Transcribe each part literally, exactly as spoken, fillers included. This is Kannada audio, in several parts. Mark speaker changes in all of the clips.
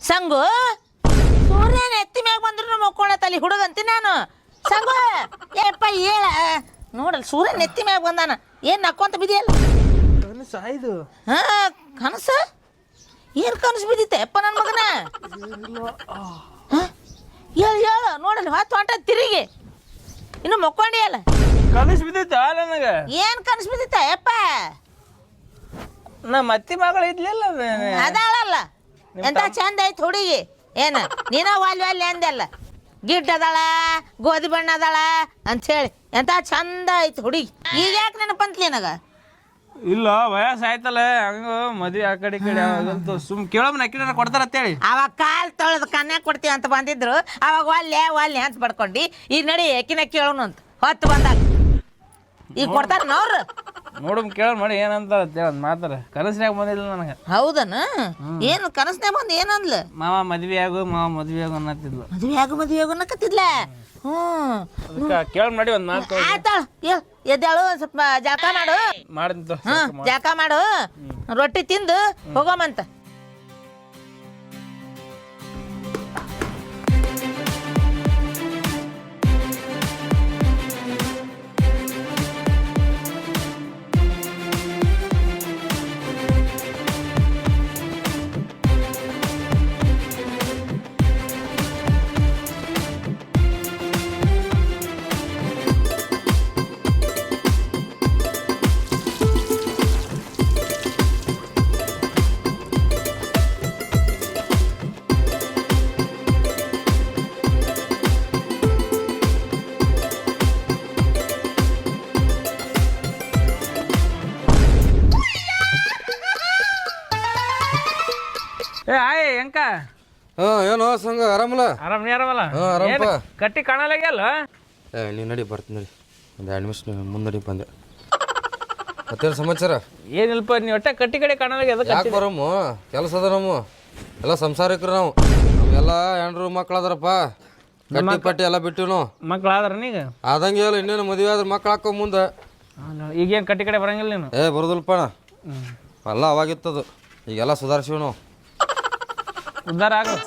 Speaker 1: ಸಂಗು ಸೂರ್ಯನ ಎತ್ತಿ ಮ್ಯಾಗ ಬಂದ್ರು ಮಕ್ಕೊಳತ್ತಲ್ಲಿ ಹುಡುಗಂತಿ ನಾನು ಸಂಗು ಏಪ್ಪ ಹೇಳ ನೋಡಲ್ಲ ಸೂರ್ಯನ ಎತ್ತಿ ಮ್ಯಾಗ ಬಂದಾನ ಏನ್ ನಕ್ಕೊಂತ ಬಿದಿಯಲ್ಲ
Speaker 2: ಸಾಯ್ದು
Speaker 1: ಹಾ ಕನಸ ಏನ್ ಕನಸು ಬಿದ್ದಿತ್ತೆ ಅಪ್ಪ ನನ್ನ ಮಗನ ಹೇಳು ಹೇಳು ನೋಡಲ್ಲ ಹೊತ್ತು ಹೊಂಟ ತಿರುಗಿ ಇನ್ನು ಮಕ್ಕೊಂಡಿ ಅಲ್ಲ
Speaker 2: ಕನಸು ಬಿದ್ದೈತ ನನಗೆ
Speaker 1: ಏನ್ ಕನಸು ಬಿದ್ದಿತ್ತ ಅಪ್ಪ
Speaker 2: ನಮ್ಮ ಅತ್ತಿ ಮಗಳು ಇದ್ಲಿಲ್ಲ
Speaker 1: ಅದಾಳಲ್ಲ ಎಂತ ಚಂದ ಐತಿ ಹುಡುಗಿ ಏನ ನೀನ ವಾಲ್ ವಾಲ್ ಅಂದಲ್ಲ ಗಿಡ್ಡ ಅದಾಳ ಗೋಧಿ ಬಣ್ಣ ಅದಾಳ ಅಂತ ಹೇಳಿ ಎಂತ ಚಂದ ಐತಿ ಹುಡುಗಿ ಈಗ ಯಾಕೆ ನೆನಪಂತ್ಲಿ ನನಗ
Speaker 2: ಇಲ್ಲ ವಯಸ್ಸು ಆಯ್ತಲ್ಲ ಹಂಗ ಮದ್ವೆ ಆ ಕಡೆ ಈ ಕಡೆ ಆಗಂತ ಸುಮ್ ಕೇಳೋಮ್ ನಕ್ಕಿನ ಕೊಡ್ತಾರ ಅಂತೇಳಿ
Speaker 1: ಅವಾಗ ಕಾಲ್ ತೊಳೆದು ಕನ್ಯಾ ಕೊಡ್ತೀವಿ ಅಂತ ಬಂದಿದ್ರು ಅವಾಗ ಒಲ್ಲೆ ಒಲ್ಲೆ ಅಂತ ಪಡ್ಕೊಂಡು ಈಗ ನಡಿ ಎಕಿನ ಕೇಳೋನು ಅಂತ ಹೊತ್ತು ಬಂದಾಗ ಈಗ ಕೊಡ್ತಾರ ನೋಡ್ರು
Speaker 2: ನೋಡಮ್ ಕೇಳೋಣ ಮಾಡಿ ಏನಂತಾರ ಒಂದು ಮಾತಾರ ಕನಸ್ನ್ಯಾಗ ಬಂದಿಲ್ಲ ನನಗೆ
Speaker 1: ಹೌದನ ಏನು ಕನಸ್ನೇ ಬಂದು ಏನಂದ್ಲ
Speaker 2: ಮಾವ ಮದ್ವೆ ಆಗು ಮಾವ ಮದ್ವೆ ಆಗು ಅನ್ನತ್ತಿದ್ಲು
Speaker 1: ಮದುವೆ ಆಗು ಮದುವೆ ಆಗು ಅನ್ನಕತ್ತಿದ್ಲ ಹ್ಮ್
Speaker 2: ಕೇಳೋಣ ಮಾಡಿ ಒಂದು ಮಾತು
Speaker 1: ಆಯ್ತಾಳ ಎದ್ದಾಳು ಸ್ವಲ್ಪ ಜಳಕ ಮಾಡು
Speaker 2: ಮಾಡಿದ
Speaker 1: ಹಾ ಜಳಕ ಮಾಡು ರೊಟ್ಟಿ ತಿಂದು ಹೋಗೋಮಂತ
Speaker 2: ಏ ಆಯ್ ಹೆಂಕ
Speaker 3: ಹಾ ಏನೋ ಸಂಗ ಆರಾಮಲ್ಲ
Speaker 2: ಆರಾಮ್ ನೀ ಆರಾಮಲ್ಲ
Speaker 3: ಹಾ ಆರಾಮಪ್ಪ
Speaker 2: ಕಟ್ಟಿ ಕಾಣಲಾಗ್ಯಲ್ಲ
Speaker 3: ಏ ನೀ ನಡಿ ಬರ್ತೀನಿ ನಡಿ ಒಂದು ಎರಡು ನಿಮಿಷ ಮುಂದೆ ನಡಿ ಬಂದೆ ಮತ್ತೇನು ಸಮಾಚಾರ
Speaker 2: ಏನಿಲ್ಪ ನೀವು ಒಟ್ಟ ಕಟ್ಟಿ ಕಡೆ ಕಾಣಲಾಗ್ಯ ಅದಕ್ಕೆ
Speaker 3: ಯಾಕೆ ಬರಮ್ಮ ಕೆಲಸ ಅದ ನಮ್ಮ ಎಲ್ಲ ಸಂಸಾರಿಕರು ನಾವು ನಾವೆಲ್ಲ ಹೆಣ್ರು ಮಕ್ಳು ಅದಾರಪ್ಪ ಗಟ್ಟಿ ಪಟ್ಟಿ ಎಲ್ಲ ಬಿಟ್ಟಿವಿ ನಾವು
Speaker 2: ಮಕ್ಳು ಆದ್ರ ನೀಗ
Speaker 3: ಆದಂಗೆ ಹೇಳು ಇನ್ನೇನು ಮದುವೆ ಆದ್ರೆ ಮಕ್ಳು ಹಾಕೋ ಮುಂದೆ
Speaker 2: ಈಗೇನು ಕಟ್ಟಿ ಕಡೆ ಬರಂಗಿಲ್ಲ ನೀನು
Speaker 3: ಏ ಬರೋದಿಲ್ಲಪ್ಪ ಎಲ್ಲ ಅವಾಗಿತ್ತದು ಈಗೆಲ್ಲ ಸುಧಾರಿಸಿವಿ ನಾವು
Speaker 2: ಉದ್ಧಾರ ಆಗು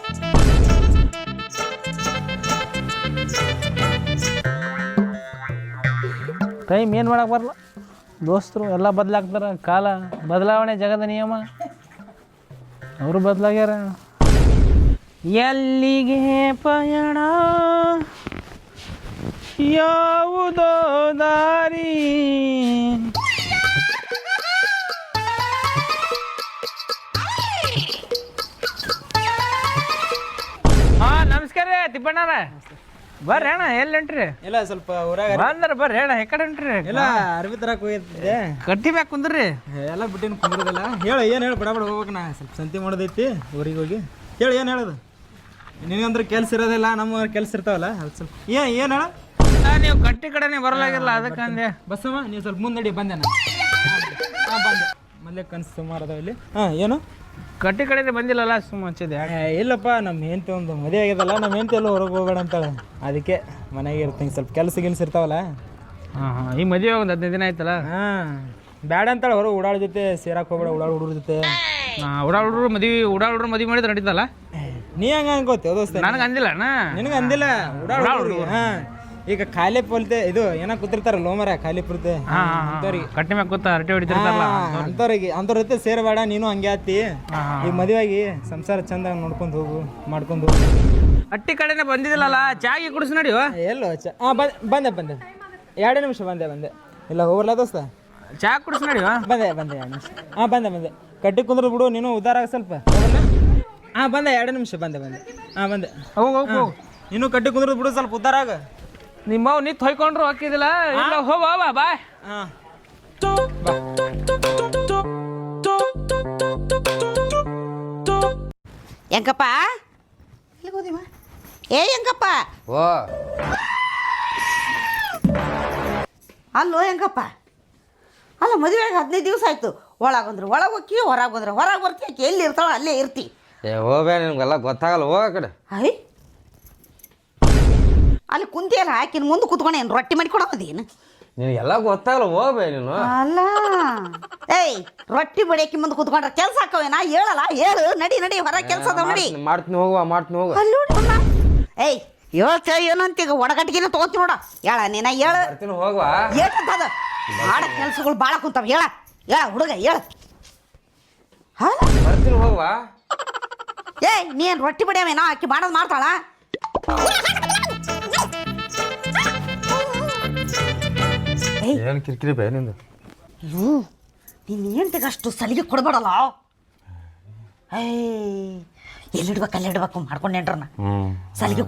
Speaker 2: ಟೈಮ್ ಏನು ಮಾಡಕ್ಕೆ ಬರಲ್ಲ ದೋಸ್ತರು ಎಲ್ಲ ಬದಲಾಗ್ತಾರ ಕಾಲ ಬದಲಾವಣೆ ಜಗದ ನಿಯಮ ಅವರು ಬದಲಾಗ್ಯಾರ ಎಲ್ಲಿಗೆ ಪಯಣ ಯಾವುದೋ ದಾರಿ ಹಾ ನಮಸ್ಕಾರ ರೀ ತಿಪ್ಪಣ್ಣಾರ ಬರ್ರಿ ಅಣ್ಣ ಎಲ್ಲಿ ಹೊಂಟ್ರಿ
Speaker 4: ಇಲ್ಲ ಸ್ವಲ್ಪ ಊರಾಗ
Speaker 2: ಬಂದ್ರ ಬರ್ರಿ ಅಣ್ಣ ಯಾಕಡೆ ಹೊಂಟ್ರಿ
Speaker 4: ಇಲ್ಲ ಅರ್ಬಿ ತರಕ್ ಹೋಗಿದ್ದೆ
Speaker 2: ಕಟ್ಟಿ ಮ್ಯಾಗ ಕುಂದ್ರಿ
Speaker 4: ಎಲ್ಲ ಬಿಟ್ಟಿನ ಕುಂದ್ರದಲ್ಲ ಹೇಳು ಏನು ಹೇಳು ಬಡ ಬಡ ಹೋಗ್ಬೇಕು ನಾ ಸ್ವಲ್ಪ ಸಂತಿ ಮಾಡೋದೈತಿ ಊರಿಗೆ ಹೋಗಿ ಹೇಳು ಏನು ಹೇಳೋದು ನಿನಗಂದ್ರೆ ಕೆಲ್ಸ ಇರೋದಿಲ್ಲ ನಮ್ಮ ಕೆಲ್ಸ ಇರ್ತಾವಲ್ಲ ಅದು ಸ್ವಲ್ಪ ಏನು ಏನು ಹೇಳ
Speaker 2: ನೀವು ಕಟ್ಟಿ ಕಡೆನೇ ಬರಲಾಗಿಲ್ಲ ಅದಕ್ಕೆ ಅಂದೆ
Speaker 4: ಬಸ್ಸಮ್ಮ ನೀವು ಸ್ವಲ್ಪ ಮುಂದಡಿ ಬಂದೆ ನಾನು ಹಾಂ ಬಂದೆ ಮೊದಲೇ ಕನಸು ಸುಮಾರು ಅದಾವ ಇಲ್ಲಿ ಹಾಂ ಏನು
Speaker 2: ಕಟ್ಟಿ ಕಡೆ ಬಂದಿಲ್ಲಲ್ಲ ಸುಮ್ಮ ಹಚ್ಚಿದೆ
Speaker 4: ಏ, ಇಲ್ಲಪ್ಪ ನಮ್ಮ ಹೆಂಡತಿ ಒಂದು ಮದುವೆ ಆಗ್ಯದಲ್ಲ ನಮ್ಮ ಹೆಂಡತಿ ಎಲ್ಲ ಹೊರಗೆ ಹೋಗ್ಬೇಡ ಅಂತಾಳೆ ಅದಕ್ಕೆ ಮನೆಗೆ ಇರ್ತೀನಿ ಸ್ವಲ್ಪ ಕೆಲಸ ಗಿಲ್ಸ ಇರ್ತಾವಲ್ಲ
Speaker 2: ಹಾಂ ಹಾಂ ಈ ಮದುವೆ ಒಂದು ಹದಿನೈದು ದಿನ ಆಯ್ತಲ್ಲ
Speaker 4: ಹಾಂ ಬ್ಯಾಡ ಅಂತಾಳೆ ಹೊರಗೆ ಓಡಾಳ ಜೊತೆ ಸೇರಾಕ್ ಹೋಗ್ಬೇಡ ಓಡಾಳ ಹುಡುಗ್ರ ಜೊತೆ
Speaker 2: ಉಡಾಳ ಹುಡ್ರು ಮದುವೆ ಉಡಾಳ ಹುಡ್ರು ಮದುವೆ ಮಾಡಿದ್ರೆ ನಡೀತಲ್ಲ
Speaker 4: ನೀ ಹಂಗ ಅನ್ಕೋತೀವ ದೋಸ್ತ
Speaker 2: ನನಗೆ ಅಂದಿಲ್ಲ ಅಣ್ಣ
Speaker 4: ನಿನಗೆ ಅಂದಿಲ್ಲ ಉಡಾಳ ಹುಡುಗ್ರು ಹಾಂ ಈಗ ಖಾಲಿ ಪೊಲ್ತೆ ಇದು ಏನೋ ಕೂತಿರ್ತಾರಲ್ಲ ಲೋಮರ ಖಾಲಿ ಪುರ್ತೆ ಅಂಥವ್ರಿಗೆ
Speaker 2: ಕಟ್ಟಿ ಮ್ಯಾಗ ಕೂತ ಹರಟೆ ಹೊಡಿತಿರ್ತಾರಲ್ಲ
Speaker 4: ಅಂಥವ್ರಿಗೆ ಅಂಥವ್ರ ಜೊತೆ ಸೇರಬೇಡ ನೀನು ಹಂಗೆ ಆತಿ ಈಗ ಮದುವೆಯಾಗಿ ಸಂಸಾರ ಚಂದ ನೋಡ್ಕೊಂಡು ಹೋಗು ಮಾಡ್ಕೊಂಡು ಹೋಗು
Speaker 2: ಹಟ್ಟಿ ಕಡೆನೇ ಬಂದಿದ್ದಿಲ್ಲಲ್ಲ ಚಾಗಿ ಕುಡಿಸ್ ನಡಿಯೋ
Speaker 4: ಎಲ್ಲೋ ಚ ಹಾಂ ಬಂದೆ ಬಂದೆ ಬಂದೆ ಎರಡೇ ನಿಮಿಷ ಬಂದೆ ಬಂದೆ ಇಲ್ಲ ಹೋಗ್ರಲ್ಲ ದೋಸ್ತ
Speaker 2: ಚಾ ಕುಡಿಸ್ ನಡಿಯೋ
Speaker 4: ಬಂದೆ ಬಂದೆ ಎರಡು ನಿಮಿಷ ಹಾಂ ಬಂದೆ ಬಂದೆ ಕಟ್ಟಿ ಕುಂದ್ರು ಬಿಡು ನೀನು ಉದ್ದಾರ ಆಗ ಸ್ವಲ್ಪ ಹಾಂ ಬಂದೆ ಎರಡು ನಿಮಿಷ ಬಂದೆ ಬಂದೆ ಹಾಂ ಬಂದೆ
Speaker 2: ಹೋಗು ಹೋಗು ಹೋಗು
Speaker 4: ನೀನು ಕಟ್ಟಿ ಕುಂದ್ರು ಬಿಡು ಸ್ವಲ್ಪ ಉದ್ದಾರ ಆಗ
Speaker 2: ನಿಮ್ಮವ್ ನಿತ್ ಹೊಯ್ಕೊಂಡ್ರು ಹಾಕಿದಿಲ್ಲ ಇಲ್ಲ ಹೋಗ ಬಾ ಬಾಯ್
Speaker 4: ಹಾಂ
Speaker 1: ಹೆಂಗಪ್ಪ ಎಲ್ಲಿಗೆ ಹೋದಿಮ್ಮ ಏ ಹೆಂಗಪ್ಪ
Speaker 3: ಓ
Speaker 1: ಅಲ್ಲೋ ಹೆಂಗಪ್ಪ ಅಲ್ಲ ಮದುವೆಗೆ ಹದಿನೈದು ದಿವಸ ಆಯ್ತು ಒಳಗಂದ್ರೆ ಒಳಗೆ ಹೋಗಿ ಹೊರಗೆ ಬಂದ್ರೆ ಹೊರಗೆ ಬರ್ತಿ ಆಕೆ ಎಲ್ಲಿ ಇರ್ತಾಳೋ ಅಲ್ಲೇ ಇರ್ತಿ
Speaker 3: ಏ ಹೋಗ್ಬೇ ನಿಮ್ಗೆಲ್ಲ ಗೊತ್ತಾಗಲ್ಲ ಹೋಗ ಆ ಕಡೆ
Speaker 1: ಅಯ್ಯ ಅಲ್ಲಿ ಕುಂತಿಯಲ್ಲ ಆಕಿನ ಮುಂದೆ ಕುತ್ಕೊಂಡು ಏನು ರೊಟ್ಟಿ ಮಾಡಿ ಕೊಡೋದೇನು
Speaker 3: ನಿನಗೆಲ್ಲ ಗೊತ್ತಾಗಲ್ಲ ಹೋಗ್ಬೇ ನೀನು
Speaker 5: ಅಲ್ಲ ಏಯ್ ರೊಟ್ಟಿ ಬಡಿಯಕ್ಕೆ ಮುಂದೆ ಕೂತ್ಕೊಂಡ್ರೆ ಕೆಲಸ ಹಾಕವೇನಾ ಹೇಳಲ್ಲ ಹೇಳು ನಡಿ ನಡಿ ಹೊರ ಕೆಲಸ ಅದಾವ ನಡಿ
Speaker 3: ಮಾಡ್ತೀನಿ- ಮಾಡ್ತೀನಿ ಹೋಗುವ ಮಾಡ್ತೀನಿ ಹೋಗುವ
Speaker 5: ಅಲ್ಲಿ ನೋಡಿ ಅವ್ನ. ಏಯ್ ಹೇಳ್ತೇ ಏನಂತ ಈಗ ಒಡಗಟ್ಟಿಗೆನ ತಗೋತಿ ನೋಡ ಹೇಳ ನೀನ ಹೇಳು
Speaker 3: ಬರ್ತೀನಿ ಹೋಗುವ
Speaker 5: ಏನಂತದ ಮಾಡ ಕೆಲಸಗಳು ಭಾಳ ಕುಂತಾವ ಹೇಳ ಹೇಳ ಹುಡುಗ ಹೇಳ ಹಾ
Speaker 3: ಬರ್ತೀನಿ ಹೋಗುವ
Speaker 5: ಏಯ್ ನೀನ್ ರೊಟ್ಟಿ ಬಡಿಯವೇನಾ ಆಕಿ ಮಾಡೋದು ಮಾಡ್ತಾಳ ಏಯ್
Speaker 3: ಏನು ಕಿರಿಕಿರಿ ಬೇ ನಿಂದು
Speaker 5: ಅಯ್ಯೋ ನೀನು ಹೆಂಡ್ತಿಗೆ ಅಷ್ಟು ಸಲಿಗೆ ಕೊಡಬೇಡಲ್ಲ ಏಯ್ ಎಲ್ಲಿಡ್ಬೇಕು ಅಲ್ಲಿ ಇಡ್ಬೇಕು ಮಾಡ್ಕೊಂಡೇನ್ರನ್ನ
Speaker 3: ಹ್ಞೂ
Speaker 5: ಸಲಿಗೆ